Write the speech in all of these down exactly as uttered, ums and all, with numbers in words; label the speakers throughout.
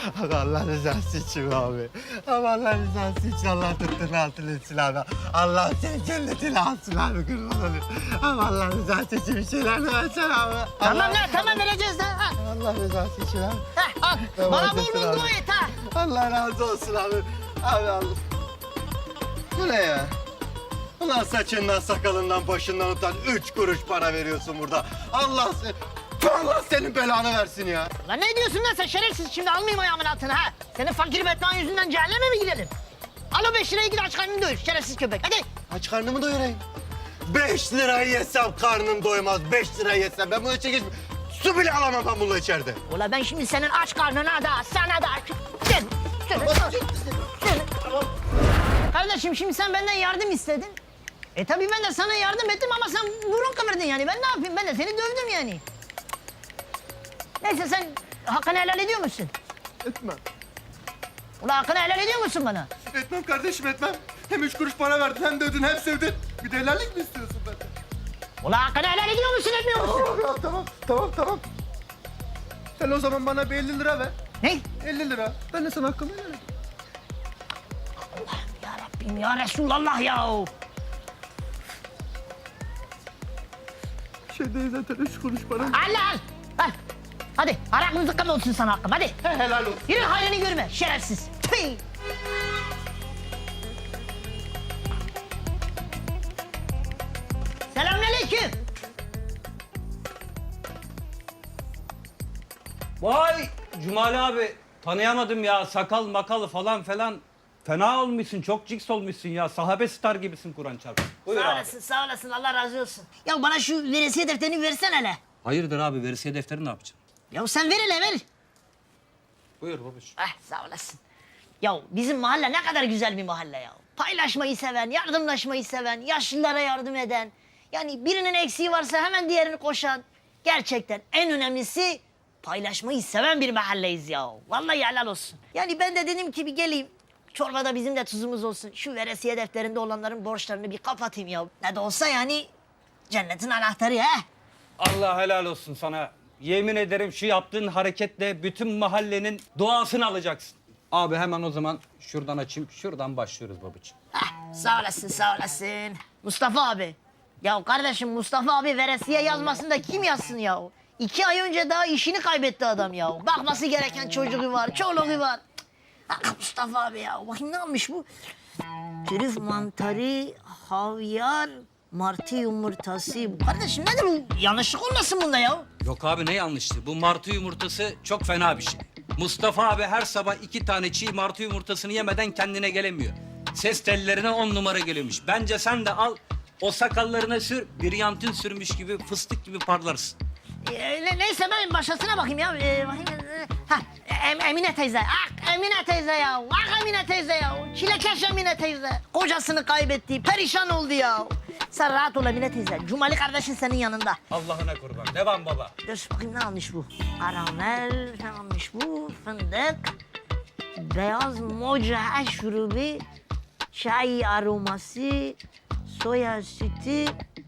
Speaker 1: Abi Allah rızası için abi. Abi Allah rızası için Allah tuttuğunu altın etsin abi. Allah seni cennetine alsın abi kurban olayım. Abi Allah rızası için bir şeyler versen abi.
Speaker 2: Tamam
Speaker 1: Allah,
Speaker 2: lan tamam vereceğiz lan. Ha.
Speaker 1: Allah rızası için abi.
Speaker 2: Ha, al.
Speaker 1: Tamam,
Speaker 2: Bana bol
Speaker 1: teşekkür
Speaker 2: bol
Speaker 1: abi.
Speaker 2: dua et ha.
Speaker 1: Allah razı olsun abi. Abi Allah. Bu ne ya? Ulan saçından, sakalından, başından utan üç kuruş para veriyorsun burada. Allah seni... Allah senin belanı versin ya.
Speaker 2: Lan ne diyorsun lan sen şerefsiz şimdi almayayım ayağımın altına ha. Senin fakir Batman yüzünden cehenneme mi gidelim? Al o beş lirayı git aç karnını doyur şerefsiz köpek hadi.
Speaker 1: Aç karnımı doyurayım. Beş lirayı yesem karnım doymaz. Beş lirayı yesem ben bunu çekip su bile alamam ben bununla içeride.
Speaker 2: Ula ben şimdi senin aç karnına da sana da... Sen, sen, sen. Kardeşim şimdi sen benden yardım istedin. E tabii ben de sana yardım ettim ama sen burun kıvırdın yani. Ben ne yapayım? Ben de seni dövdüm yani. Neyse sen hakkını helal ediyor musun?
Speaker 1: Etmem.
Speaker 2: Ula hakkını helal ediyor musun bana?
Speaker 1: Etmem kardeşim etmem. Hem üç kuruş para verdin hem dövdün hem sevdin. Bir de helallik mi istiyorsun benden?
Speaker 2: Ula hakkını helal ediyor musun etmiyor musun?
Speaker 1: Tamam ya tamam tamam tamam. Sen o zaman bana bir elli lira ver.
Speaker 2: Ne?
Speaker 1: elli lira. Ben de sana hakkımı helal edeyim.
Speaker 2: Ya Rabbim ya Resulallah ya.
Speaker 1: Şey değil zaten üç kuruş para.
Speaker 2: Al al. Al. Hadi haram zıkkım olsun sana hakkım hadi.
Speaker 1: He, helal olsun.
Speaker 2: Yürü hayrını görme şerefsiz. Tüy. Selamünaleyküm.
Speaker 3: Vay Cumali abi tanıyamadım ya sakal makalı falan falan. Fena olmuşsun çok ciks olmuşsun ya sahabe star gibisin Kur'an çarpsın. Buyur
Speaker 2: Sağ
Speaker 3: abi.
Speaker 2: olasın sağ olasın Allah razı olsun. Ya bana şu veresiye defterini versene hele.
Speaker 3: Hayırdır abi veresiye defteri ne yapacaksın?
Speaker 2: Ya sen ver hele ver.
Speaker 3: Buyur babacığım.
Speaker 2: Ah sağ olasın. Ya bizim mahalle ne kadar güzel bir mahalle ya. Paylaşmayı seven, yardımlaşmayı seven, yaşlılara yardım eden. Yani birinin eksiği varsa hemen diğerini koşan. Gerçekten en önemlisi paylaşmayı seven bir mahalleyiz ya. Vallahi helal olsun. Yani ben de dedim ki bir geleyim. Çorbada bizim de tuzumuz olsun. Şu veresiye defterinde olanların borçlarını bir kapatayım ya. Ne de olsa yani cennetin anahtarı ha.
Speaker 3: Allah helal olsun sana. Yemin ederim şu yaptığın hareketle bütün mahallenin duasını alacaksın. Abi hemen o zaman şuradan açayım. Şuradan başlıyoruz babacığım.
Speaker 2: Heh, sağ olasın, sağ olasın. Mustafa abi. Ya kardeşim Mustafa abi veresiye yazmasın da kim yazsın ya? İki ay önce daha işini kaybetti adam ya. Bakması gereken çocuğu var, çoluğu var. Ah, Mustafa abi ya. Bakayım ne almış bu? Trüf mantarı, havyar, martı yumurtası. Kardeşim nedir bu? Yanlışlık olmasın bunda ya?
Speaker 3: Yok abi ne yanlıştı? Bu martı yumurtası çok fena bir şey. Mustafa abi her sabah iki tane çiğ martı yumurtasını yemeden kendine gelemiyor. Ses tellerine on numara geliyormuş. Bence sen de al o sakallarına sür, brilyantin sürmüş gibi fıstık gibi parlarsın.
Speaker 2: Ee, ne- neyse ben başkasına bakayım ya. Ee, bakayım. ee, Ha, Em- Emine teyze. Ah Emine teyze ya. Ah Emine teyze ya. Çilekeş Emine teyze. Kocasını kaybetti. Perişan oldu ya. Sen rahat ol Emine teyze. Cumali kardeşin senin yanında.
Speaker 3: Allah'ına kurban. Devam baba.
Speaker 2: Dur bakayım ne almış bu? Karamel, ne almış bu? Fındık, beyaz moca şurubu, çay aroması, soya sütü,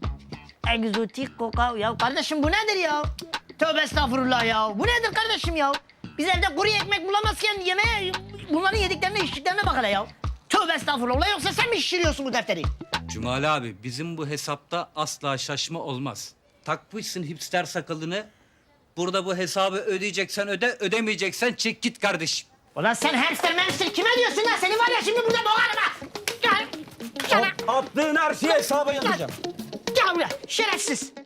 Speaker 2: egzotik kokao. Ya kardeşim bu nedir ya? Tövbe estağfurullah ya. Bu nedir kardeşim ya? Biz evde kuru ekmek bulamazken yemeğe bunların yediklerine içtiklerine bak hele ya. Tövbe estağfurullah yoksa sen mi şişiriyorsun bu defteri?
Speaker 3: Cumali abi bizim bu hesapta asla şaşma olmaz. Takmışsın hipster sakalını. Burada bu hesabı ödeyeceksen öde, ödemeyeceksen çek git kardeşim.
Speaker 2: Ulan sen hamster memster kime diyorsun lan? Seni var ya şimdi burada boğarım ha. Gel. Gel.
Speaker 3: Attığın her şeyi hesaba yazacağım.
Speaker 2: Gel buraya şerefsiz.